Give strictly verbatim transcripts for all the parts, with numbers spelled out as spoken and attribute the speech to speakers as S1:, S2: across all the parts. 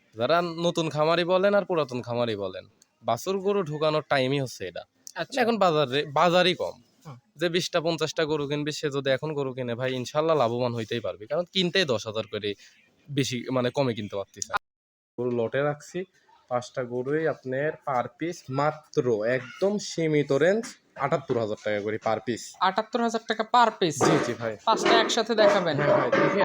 S1: যারা নতুন খামারি বলেন আর পুরাতন খামারি বলেন, বাছুর গরু ঢুকানোর টাইমই হচ্ছে এটা।
S2: আচ্ছা।
S1: এখন বাজারে বাজারই কম।
S2: হুম।
S1: যে বিশটা পঞ্চাশটা গরু কিনবে সে যদি এখন গরু কিনে ভাই ইনশাল্লাহ লাভবান হইতেই পারবে, কারণ কিনতেই দশ হাজার করে বেশি মানে কমে কিনতে পারতেছে। গরু লটে রাখছি পাঁচটা গরুই আপনার পার পিস মাত্র একদম সীমিত রেঞ্জ আটাত্তর হাজার টাকা করে পার পিস।
S2: আটাত্তর হাজার টাকা পার পিস।
S1: জি জি ভাই।
S2: পাঁচটা একসাথে দেখাবেন?
S1: হ্যাঁ ভাই দেখে।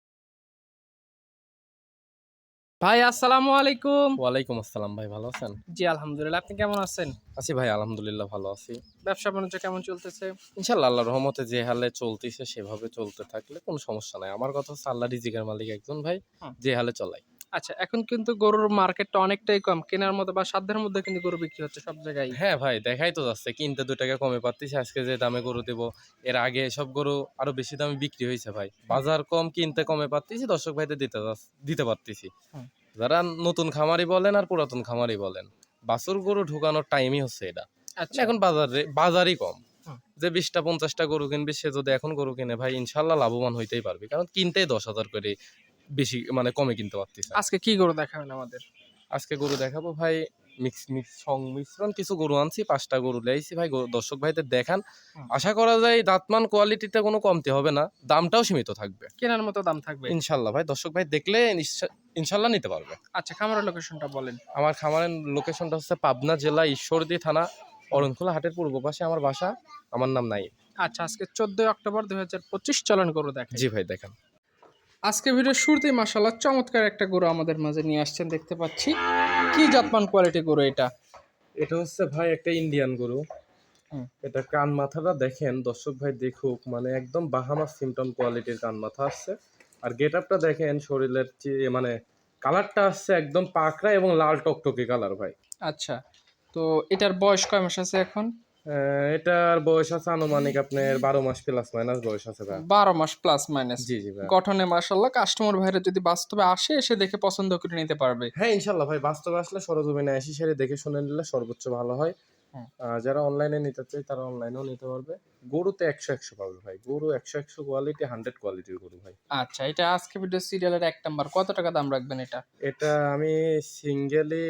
S2: ভাই আসসালামু আলাইকুম।
S1: ওয়ালাইকুম আসসালাম ভাই, ভালো আছেন?
S2: জি আলহামদুলিল্লাহ, আপনি কেমন আছেন?
S1: আছি ভাই, আলহামদুলিল্লাহ ভালো আছি।
S2: ব্যবসা বাণিজ্য কেমন চলতেছে?
S1: ইনশাল্লাহ আল্লাহর রহমতে যে হালে চলতেছে সেভাবে চলতে থাকলে কোনো সমস্যা নাই। আমার কথা হচ্ছে আল্লাহ রিজিকের মালিক একজন ভাই,
S2: হুম।
S1: যে হালে চলাই।
S2: আচ্ছা, এখন কিন্তু গরুর মার্কেটটা অনেকটাই কম, কেনার মতো বা সাধ্যের মধ্যে কিন্তু গরু বিক্রি হচ্ছে সব জায়গায়।
S1: হ্যাঁ ভাই, দেখাই তো যাচ্ছে কিনতে দুই টাকা কমে পাচ্ছি। আজকে যে দামে গরু দেবো, এর আগে সব গরু আরো বেশি দামে বিক্রি হয়েছে ভাই। বাজার কম, কিনতে কমে পাচ্ছি, দর্শক ভাইদের দিতে যাচ্ছি- দিতে পারতেছি।
S2: হুম।
S1: যারা নতুন খামারি বলেন আর পুরাতন খামারি বলেন, বাছুর গরু ঢুকানোর টাইমই হচ্ছে এটা।
S2: আচ্ছা।
S1: এখন বাজারে বাজারই কম।
S2: হুম।
S1: যে বিশটা পঞ্চাশটা গরু কিনবে সে যদি এখন গরু কিনে ভাই ইনশাল্লাহ লাভবান হইতেই পারবে, কারণ কিনতেই দশ হাজার করে বেশি মানে কমে কিনতে পারতেছে।
S2: আজকে কি গরু দেখাবেন আমাদের?
S1: আজকে গরু দেখাবো ভাই, মিক্স মিক্স সংমিশ্রণ কিছু গরু আনছি, পাঁচটা গরু লেয়াইছি ভাই, গরু- দর্শক ভাইদের দেখান।
S2: হুম।
S1: আশা করা যায় দাঁতমান কোয়ালিটিতে কোনো কমতি হবে না, দামটাও সীমিত থাকবে
S2: কেনার মতো দাম থাকবে?
S1: ইনশাল্লাহ ভাই। দর্শক ভাই দেখলে নিশ্চয়- ইনশাল্লাহ নিতে পারবে।
S2: আচ্ছা, খামারের লোকেশনটা বলেন।
S1: আমার খামারের লোকেশনটা হচ্ছে পাবনা জেলা ঈশ্বরদী থানা অরণখোলা হাটের পূর্ব পাশে আমার বাসা। আমার নাম নাই।
S2: আচ্ছা, আজকে চোদ্দই অক্টোবর দুই হাজার পঁচিশ, চলন গরু দেখেন।
S1: জি ভাই দেখান।
S2: আজকে ভিডিও শুরুতেই মাশাআল্লাহ চমৎকার একটা গরু আমাদের মাঝে নিয়ে আসছেন, দেখতে পাচ্ছি। কি জাতমান কোয়ালিটি গরু এটা?
S1: এটা হচ্ছে ভাই একটা ইন্ডিয়ান গরু।
S2: হুম।
S1: এটা কান মাথাটা দেখেন, দর্শক ভাই দেখুক, মানে একদম বাহামা সিমটন কোয়ালিটির কান মাথা আসছে। আর গেট আপটা দেখেন, শরীরের যে মানে কালারটা আসছে একদম পাকড়া এবং লাল টকটকে কালার ভাই।
S2: আচ্ছা, তো এটার বয়স কয় মাস আছে এখন?
S1: আহ, এটার বয়স আছে আনুমানিক আপনার বারো মাস প্লাস মাইনাস বয়স আছে ভাই।
S2: বারো মাস প্লাস মাইনাস।
S1: জি জি ভাই।
S2: গঠনে মাশাআল্লাহ কাস্টমার ভাইরা যদি বাস্তবে আসে, এসে দেখে পছন্দ করে নিতে পারবে।
S1: হ্যাঁ ইনশাল্লাহ ভাই, বাস্তবে আসলে সরজমিনে আসি সেরে দেখে শুনে নিলে সর্বোচ্চ ভালো হয়।
S2: হুম।
S1: আহ, যারা অনলাইনে নিতে চায় তারা অনলাইনেও নিতে পারবে। গরুতে একশো একশো পাবে ভাই, গরু একশো একশো কোয়ালিটি, হান্ড্রেড কোয়ালিটির গরু ভাই।
S2: আচ্ছা, এটা আজকে ভিডিও সিরিয়ালের এক নাম্বার। কত টাকা দাম রাখবেন এটা?
S1: এটা আমি সিঙ্গেলি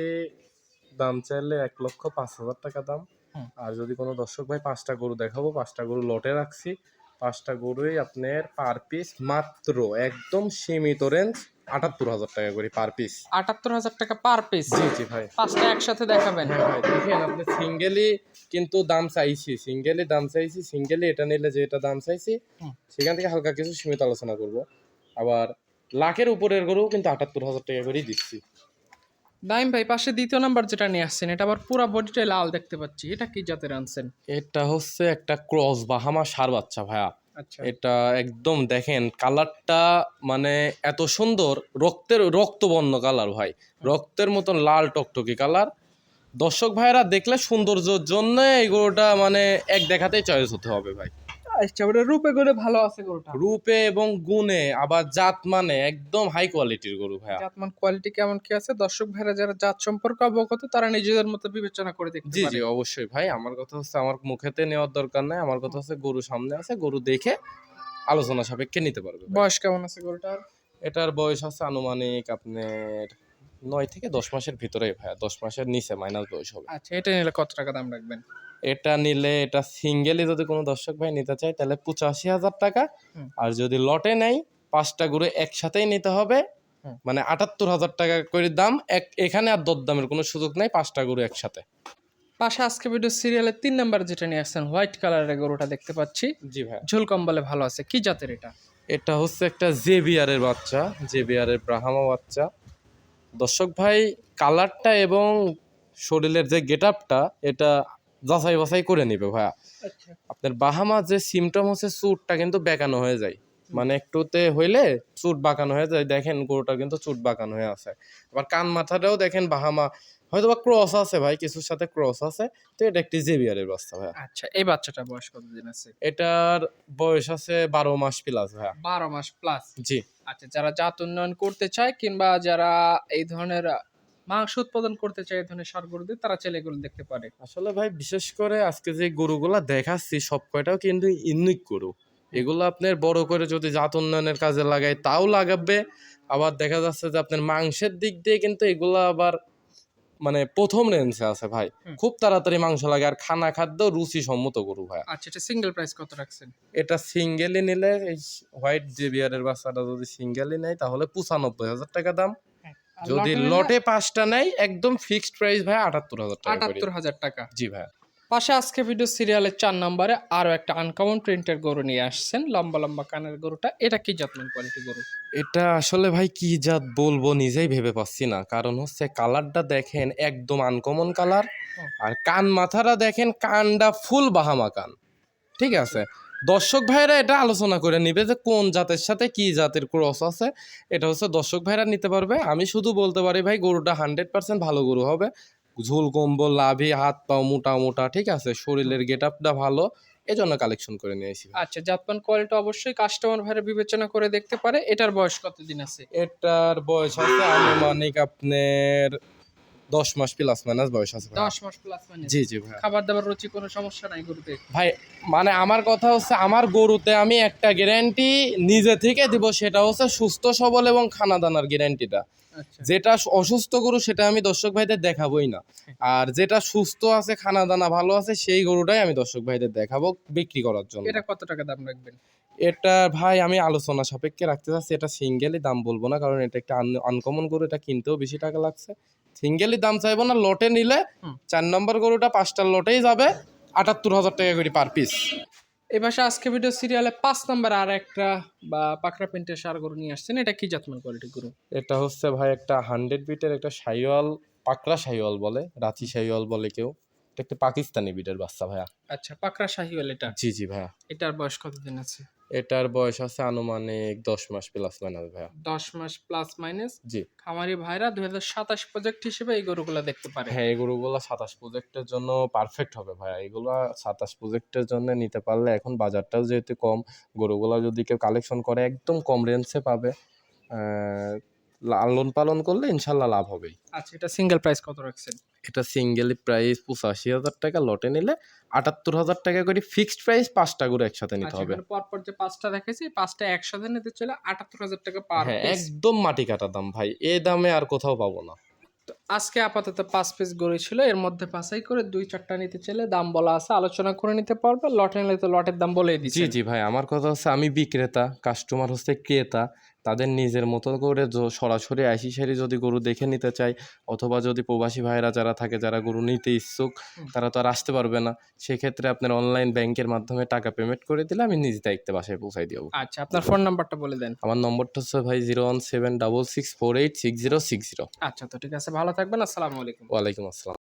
S1: দাম চাইলে এক লক্ষ পাঁচ হাজার টাকা দাম।
S2: হুম।
S1: আর যদি কোনো দর্শক ভাই পাঁচটা গরু দেখাবো, পাঁচটা গরু লটে রাখছি, পাঁচটা গরুই আপনার পার পিস মাত্র একদম সীমিত রেঞ্জ আটাত্তর হাজার টাকা করে পার পিস।
S2: আটাত্তর হাজার টাকা পার পিস।
S1: জি জি ভাই।
S2: পাঁচটা একসাথে দেখাবেন?
S1: হ্যাঁ ভাই দেখেন, আপনি সিঙ্গেলি কিন্তু দাম চাইছি, সিঙ্গেলি দাম চাইছি, সিঙ্গেলি এটা নিলে যেটা দাম চাইছি
S2: হুম।
S1: সেখান থেকে হালকা কিছু সীমিত আলোচনা করব। আবার লাখের উপরের গরু কিন্তু আটাত্তর হাজার টাকা করেই দিচ্ছি।
S2: নাইম ভাই, পাশে দ্বিতীয় নাম্বার যেটা নিয়ে আসছেন, এটা আবার পুরো বডিটাই লাল দেখতে পাচ্ছি। এটা কি জাতের আনছেন?
S1: এটা হচ্ছে একটা ক্রস বাহামা ষাঁড় বাচ্চা ভাইয়া।
S2: আচ্ছা।
S1: এটা একদম দেখেন কালারটা, মানে এত সুন্দর, রক্তের রক্তবর্ণ কালার ভাই, রক্তের মতন লাল টকটকি কালার। দর্শক ভাইরা দেখলে সৌন্দর্যের জন্য এই গরুটা মানে এক দেখাতেই চয়েস হতে হবে ভাই।
S2: আচ্ছা, ওটা রূপে গুণে ভালো আছে গরুটা?
S1: রূপে এবং গুণে, আবার জাত মানে একদম হাই কোয়ালিটির গরু ভাইয়া।
S2: জাতমান কোয়ালিটি কেমন কি আছে, দর্শক ভাইরা যারা জাত সম্পর্কে অবগত তারা নিজেদের মতো বিবেচনা করে দেখতে
S1: জি
S2: পারে।
S1: জি অবশ্যই ভাই, আমার কথা হচ্ছে আমার মুখেতে নেওয়ার দরকার নাই, আমার কথা হচ্ছে গরু সামনে আছে, গরু দেখে আলোচনা সাপেক্ষে নিতে পারবে ভাই।
S2: বয়স কেমন আছে গরুটার?
S1: এটার বয়স আছে আনুমানিক আপনার নয় থেকে দশ মাসের ভিতরে ভাইয়া, দশ মাসের নিচে মাইনাস বয়স হবে।
S2: আচ্ছা, এটা নিলে কত টাকা দাম রাখবেন?
S1: এটা নিলে, এটা সিঙ্গেলি যদি কোনো দর্শক ভাই নিতে চায় তাহলে পঁচাশি হাজার টাকা।
S2: হুম।
S1: আর যদি লটে নেয় পাঁচটা গরু একসাথেই নিতে হবে,
S2: হুম।
S1: মানে আটাত্তর হাজার টাকা করে দাম। এক এখানে আর দরদামের কোনো সুযোগ নাই, পাঁচটা গরু একসাথে।
S2: পাশে আজকে ভিডিও সিরিয়ালের তিন নাম্বার যেটা নিয়ে আসছেন, হোয়াইট কালারের গরুটা দেখতে পাচ্ছি।
S1: জি ভাই।
S2: ঝোল কম্বলে ভালো আছে। কি জাতের এটা?
S1: এটা হচ্ছে একটা জেবিয়ারের বাচ্চা, জেবিয়ারের ব্রাহ্মা বাচ্চা। দর্শক ভাই কালারটা এবং শরীরের যে গেট আপটা, এটা যাচাই বাছাই করে নিবে ভাইয়া।
S2: আচ্ছা।
S1: আপনার বাহামা যে সিমটম হচ্ছে চুটটা কিন্তু বেঁকানো হয়ে যায়, মানে একটুতে হইলে চুট বাঁকানো হয়ে যায়। দেখেন গরুটা কিন্তু চুট বাঁকানো হয়ে আছে। আবার কান মাথাটাও দেখেন বাহামা, হয়তো বা ক্রস আছে ভাই, কিছুর সাথে ক্রস আছে। তো এটা একটি জেবিয়ারের বাচ্চা ভাইয়া।
S2: আচ্ছা, এই বাচ্চাটা বয়স কতদিন আছে?
S1: এটার বয়স আছে বারো মাস প্লাস ভাইয়া।
S2: বারো মাস প্লাস।
S1: জি।
S2: আচ্ছা, যারা জাত উন্নয়ন করতে চায় কিংবা যারা এই ধরনের মাংস উৎপাদন করতে চায় এই ধরনের ষাঁড় গরুদের, তারা চাইলে এগুলো দেখতে পারে।
S1: আসলে ভাই বিশেষ করে আজকে যে গরুগুলা দেখাচ্ছি সব কয়টাও কিন্তু ইউনিক গরু। এগুলো আপনার বড় করে যদি জাত উন্নয়নের কাজে লাগায় তাও লাগাবে। আবার দেখা যাচ্ছে যে আপনার মাংসের দিক দিয়ে কিন্তু এগুলো আবার মানে প্রথম রেঞ্জে আছে ভাই,
S2: হুম।
S1: খুব তাড়াতাড়ি মাংস লাগে আর খানা খাদ্য রুচি সম্মত গরু ভাই।
S2: আচ্ছা, এটা সিঙ্গেল প্রাইস কত রাখছেন?
S1: এটা সিঙ্গেলি নিলে এই হোয়াইট জেবিয়ারের বাচ্চাটা যদি সিঙ্গেলি নেয় তাহলে পঁচানব্বই হাজার টাকা দাম।
S2: আর
S1: যদি
S2: লটে নিলে
S1: লটে পাঁচটা নেয় একদম ফিক্সড প্রাইস ভাই আটাত্তর হাজার টাকা করে।
S2: আটাত্তর হাজার টাকা।
S1: জি ভাই।
S2: পাশে আজকে ভিডিও সিরিয়ালের চার নম্বরে আরো একটা আনকমন প্রিন্টের গরু নিয়ে আসছেন, লম্বা লম্বা কানের গরুটা। এটা কি জাতমান কোয়ালিটি গরু?
S1: এটা আসলে ভাই কি জাত বলবো নিজেই ভেবে পাচ্ছি না, কারণ হচ্ছে কালারটা দেখেন একদম আনকমন কালার, আর কান মাথাটা দেখেন কানটা ফুল বাহামা কান। ঠিক আছে, দর্শক ভাইরা এটা আলোচনা করে নিবে যে কোন জাতের সাথে কি জাতের ক্রস আছে, এটা হচ্ছে দর্শক ভাইরা নিতে পারবে। আমি শুধু বলতে পারি ভাই গরুটা হান্ড্রেড পার্সেন্ট ভালো গরু হবে, ঝুল কম্বল লাভি হাত পাও মোটা মোটা, ঠিক আছে, শরীরের গেট আপটা ভালো, এজন্য কালেকশন করে নিয়েছি।
S2: আচ্ছা, জাতমান কোয়ালিটি অবশ্যই কাস্টমার ভাইরা বিবেচনা করে দেখতে পারে। এটার বয়স কতদিন আছে?
S1: এটার বয়স আছে আনুমানিক আপনার দশ মাস প্লাস মাইনাস বয়স আছে ভাই।
S2: দশ মাস প্লাস মানে?
S1: জি জি ভাই।
S2: খাবার দাবার রুচি কোনো সমস্যা নাই গরুতে?
S1: ভাই মানে আমার কথা হচ্ছে আমার গরুতে আমি একটা গ্যারান্টি নিজে থেকে দিব, সেটা হচ্ছে সুস্থ সবল এবং খানা দানার গ্যারান্টিটা।
S2: আচ্ছা,
S1: যেটা অসুস্থ গরু সেটা আমি দর্শক ভাইদের দেখাবোই না, আর যেটা সুস্থ আছে খানা দানা ভালো আছে সেই গরুটাই আমি দর্শক ভাইদের দেখাবো বিক্রি করার জন্য।
S2: এটা কত টাকা দাম রাখবেন?
S1: এটা ভাই আমি আলোচনা সাপেক্ষে রাখতে চাচ্ছি, এটা সিঙ্গেলি দাম বলবো না, কারণ এটা একটা আনকমন গরু, এটা কিনতেও বেশি টাকা লাগছে। সিঙ্গেলি দাম চাইবো না, লটে নিলে
S2: হুম।
S1: চার নম্বর গরুটা পাঁচটার লটেই যাবে আটাত্তর হাজার টাকা করে পার পিস।
S2: এই পাশে আজকে ভিডিও সিরিয়ালে পাঁচ নাম্বার আর একটা বা পাকড়া প্রিন্টের সার গরু নিয়ে আসছেন। এটা কি জাতমান কোয়ালিটি গরু?
S1: এটা হচ্ছে ভাই একটা হান্ড্রেড বিটের একটা শাহিওয়াল, পাকড়া শাহিওয়াল বলে, রাঁচি শাহিওয়াল বলে কেউ, এটা একটা পাকিস্তানি বিটের বাচ্চা ভাইয়া।
S2: আচ্ছা, পাকড়া শাহিওয়াল এটা?
S1: জি জি ভাইয়া।
S2: এটার বয়স কতদিন আছে?
S1: এটার বয়স আছে আনুমানিক দশ মাস প্লাস মাইনাস ভাইয়া।
S2: দশ মাস প্লাস মাইনাস।
S1: জি।
S2: খামারি ভাইরা দুই হাজার সাতাশ প্রজেক্ট হিসেবে এই গরুগুলো দেখতে পারে।
S1: হ্যাঁ, এই গরুগুলো সাতাশ প্রজেক্টের জন্য পারফেক্ট হবে ভাইয়া। এগুলো সাতাশ প্রজেক্টের জন্য নিতে পারলে এখন বাজারটাও যেহেতু কম, গরুগুলো যদি কেউ কালেকশন করে একদম কম রেঞ্জে পাবে, আহ, লালন পালন করলে ইনশাল্লাহ লাভ হবেই।
S2: আচ্ছা, এটা সিঙ্গেল প্রাইস কত রাখছেন?
S1: এটা সিঙ্গেলি প্রাইস পঁচাশি হাজার টাকা, লটে নিলে আটাত্তর হাজার টাকা করে ফিক্সড প্রাইস, পাঁচটা গরু একসাথে নিতে
S2: আচ্ছা,
S1: হবে।
S2: এখানে পরপর যে পাঁচটা দেখেছি, পাঁচটা একসাথে নিতে চলে আটাত্তর হাজার টাকা পার
S1: হ্যাঁ,
S2: পিস।
S1: একদম মাটি কাটা দাম ভাই, এই দামে আর কোথাও পাবো না।
S2: তো আজকে আপাতত পাঁচ পিস গরু ছিল, এর মধ্যে পাঁচাই করে দুই চারটা নিতে চাইলে দাম বলা আছে, আলোচনা করে নিতে পারবে। লটে নিলে তো লটের দাম বলেই
S1: জি
S2: দিচ্ছি।
S1: জি ভাই, আমার কথা হচ্ছে আমি বিক্রেতা, কাস্টমার হচ্ছে ক্রেতা, তাদের নিজের মতো করে য- সরাসরি আইসি সারি যদি গরু দেখে নিতে চাই, অথবা যদি প্রবাসী ভাইরা যারা থাকে যারা গরু নিতে ইচ্ছুক,
S2: হুম।
S1: তারা তো আর আসতে পারবে না, সেক্ষেত্রে আপনার অনলাইন ব্যাংকের মাধ্যমে টাকা পেমেন্ট করে দিলে আমি নিজ দায়িত্বে বাসায় পৌঁছাই দেবো।
S2: আচ্ছা, আপনার ফোন নাম্বারটা বলে দেন।
S1: আমার নম্বরটা হচ্ছে ভাই zero one seven double six four eight six zero six zero.
S2: আচ্ছা, তো ঠিক আছে, ভালো থাকবেন, আসসালামু আলাইকুম।
S1: ওয়ালাইকুম আসসালাম।